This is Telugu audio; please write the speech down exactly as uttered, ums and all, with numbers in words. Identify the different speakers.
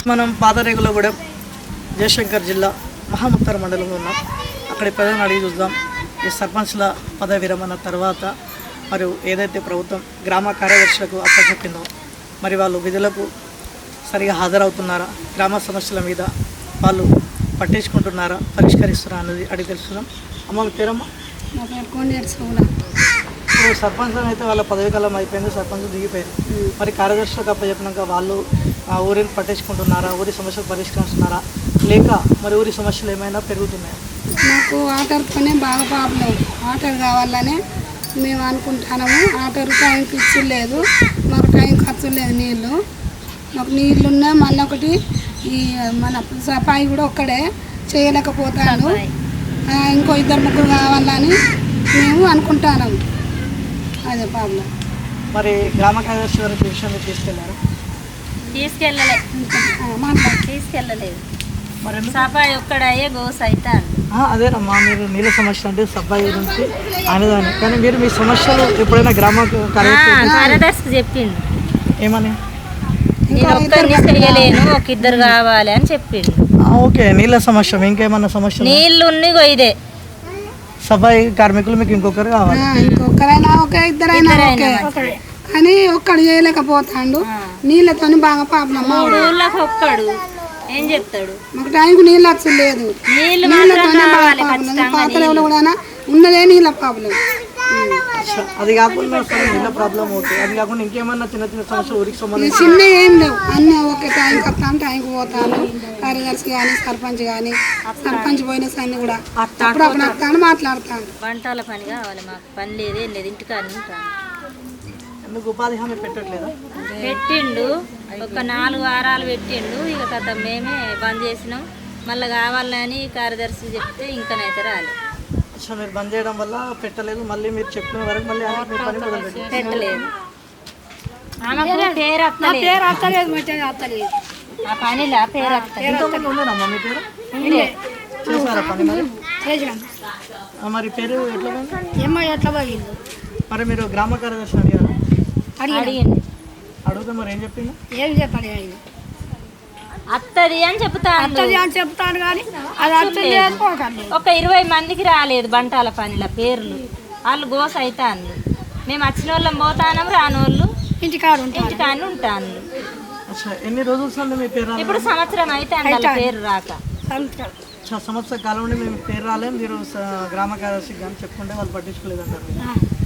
Speaker 1: మనం పాతరేగులగూడెం జయశంకర్ జిల్లా మహాముత్తర మండలంలో ఉన్నాం. అక్కడి ప్రజలను అడిగి చూద్దాం. ఈ సర్పంచ్ల పదవి విరమణ తర్వాత మరియు ఏదైతే ప్రభుత్వం గ్రామ కార్యదర్శులకు అప్పచెప్పిందో మరి వాళ్ళు విధులకు సరిగా హాజరవుతున్నారా, గ్రామ సమస్యల మీద వాళ్ళు పట్టించుకుంటున్నారా, పరిష్కరిస్తున్నారా అన్నది అడిగి తెలుసుకుందాం. అమ్మ మీ పేరమ్మా? ఇప్పుడు సర్పంచ్ అయితే వాళ్ళ పదవి కాలం అయిపోయింది, సర్పంచ్ దిగిపోయింది. మరి కార్యదర్శులకు అప్పచెప్పినాక వాళ్ళు ఆ ఊరిని పట్టించుకుంటున్నారా, ఊరి సమస్యలు పరిష్కరిస్తున్నారా, లేక మరి ఊరి సమస్యలు ఏమైనా పెరుగుతున్నాయా?
Speaker 2: మాకు వాటర్తోనే బాగా ప్రాబ్లం. వాటర్ కావాలనే మేము అనుకుంటున్నాము. వాటర్ టైంకి ఇచ్చి లేదు, మాకు టైం ఖర్చు లేదు. నీళ్ళు మాకు నీళ్ళు ఉన్నాయి. మళ్ళీ ఒకటి ఈ మన సఫాయి కూడా ఒక్కడే చేయలేకపోతాను. ఇంకో ఇద్దరు ముగ్గురు కావాలని మేము అనుకుంటున్నాము. అదే ప్రాబ్లం.
Speaker 1: మరి గ్రామ కార్యదర్శి వారికి విషయాన్ని తీసుకెళ్లారు?
Speaker 3: తీసుకెళ్ళలే తీసుకెళ్ళలేదు
Speaker 1: మరి
Speaker 3: సఫాయి ఒక్కడయ్యే గోస్ అవుతాను.
Speaker 1: అదేనమ్మా, మీరు నీళ్ళ సమస్య అంటే సఫాయి గురించి అనేదాన్ని, కానీ మీరు మీ సమస్యలు ఎప్పుడైనా గ్రామ
Speaker 3: కార్యదర్శికి చెప్పిండు.
Speaker 1: ఏమని?
Speaker 3: నేను ఒక్కరిని చెయ్యలేను, ఒక ఇద్దరు కావాలి అని చెప్పిండు.
Speaker 1: ఓకే, నీళ్ళ సమస్య. ఇంకేమన్నా సమస్య?
Speaker 3: నీళ్ళు ఇదే
Speaker 1: సఫాయి కార్మికులు మీకు ఇంకొకరు కావాలి.
Speaker 2: ఇంకొకరైనా ఓకే, ఇద్దరైనా ఓకే, కానీ ఒక్కడు చేయలేకపోతాడు. నీళ్ళతో బాగా ప్రాబ్లం.
Speaker 3: మూడు ఊళ్ళకి ఒక్కడు ఏం చెప్తాడు?
Speaker 2: మాకు టైంకి నీళ్ళు అసలు లేదు. నీళ్ళతోనే బాగా ప్రాబ్లం. పాతలో కూడా ఉన్నదే నీళ్ళ ప్రాబ్లం.
Speaker 1: అది కాకుండా నీళ్ళ ప్రాబ్లం ఓకే, అది కాకుండా ఇంకేమన్నా చిన్న చిన్న సమస్యలు ఊరికి సంబంధించి?
Speaker 2: చిన్న ఏం లేవు, అన్నీ ఓకే. టైంకి వస్తాను, టైంకి పోతాను. కార్యదర్శి కానీ సర్పంచ్ కానీ సర్పంచ్ పోయిన సన్ని కూడా అప్పుడు అప్పుడు వస్తాను, మాట్లాడతాను.
Speaker 3: వంటల పని కావాలి మాకు, పని లేదు ఏం లేదు, ఇంటికాడ ఉంటాను.
Speaker 1: ఎందుకు ఉపాధి హామీ పెట్టట్లేదా?
Speaker 3: పెట్టిండు, ఒక నాలుగు వారాలు పెట్టిండు. ఇక కథ మేమే బంద్ చేసినాం. మళ్ళీ కావాలని కార్యదర్శి చెప్తే ఇంకనైతే రాలేదు.
Speaker 1: అచ్చా, మీరు బంద్ చేయడం వల్ల పెట్టలేదు. మళ్ళీ మీరు చెప్పిన వరకు మళ్ళీ పని మొదలు
Speaker 3: పెట్టలేదు. పేరు అత్తలేదు, ఆ పనిలా పేరు
Speaker 1: ఎంతమంది ఉండేనమ్మా మీ పేరు? చేశారా పని మరి? మరి పేరు ఎట్లా
Speaker 2: ఎట్లా పోయింది?
Speaker 1: మరి మీరు గ్రామ కార్యదర్శి అడిగారా?
Speaker 3: అడిగింది.
Speaker 1: అడిగితే మరి ఏం చెప్పింది?
Speaker 2: ఏం చెప్పాలి?
Speaker 3: అత్తది అని చెప్తాను
Speaker 2: అని చెప్తాను కానీ అది
Speaker 3: ఒక ఇరవై మందికి రాలేదు బంటాల పనిల పేర్లు. వాళ్ళు గోస అవుతాను. మేము వచ్చిన వాళ్ళం పోతాను, రాని వాళ్ళు
Speaker 2: ఇంటికాడ
Speaker 3: ఇంటికాని ఉంటాను.
Speaker 1: ఎన్ని రోజులు మీ పేరు?
Speaker 3: ఇప్పుడు సంవత్సరం అయితే అందులో పేరు రాక.
Speaker 1: సంవత్సర కాలం నుండి మేము పేరు రాలేదు. మీరు గ్రామ కార్యదర్శికి కానీ చెప్పుకుంటే వాళ్ళు పట్టించుకోలేదు అంటారు.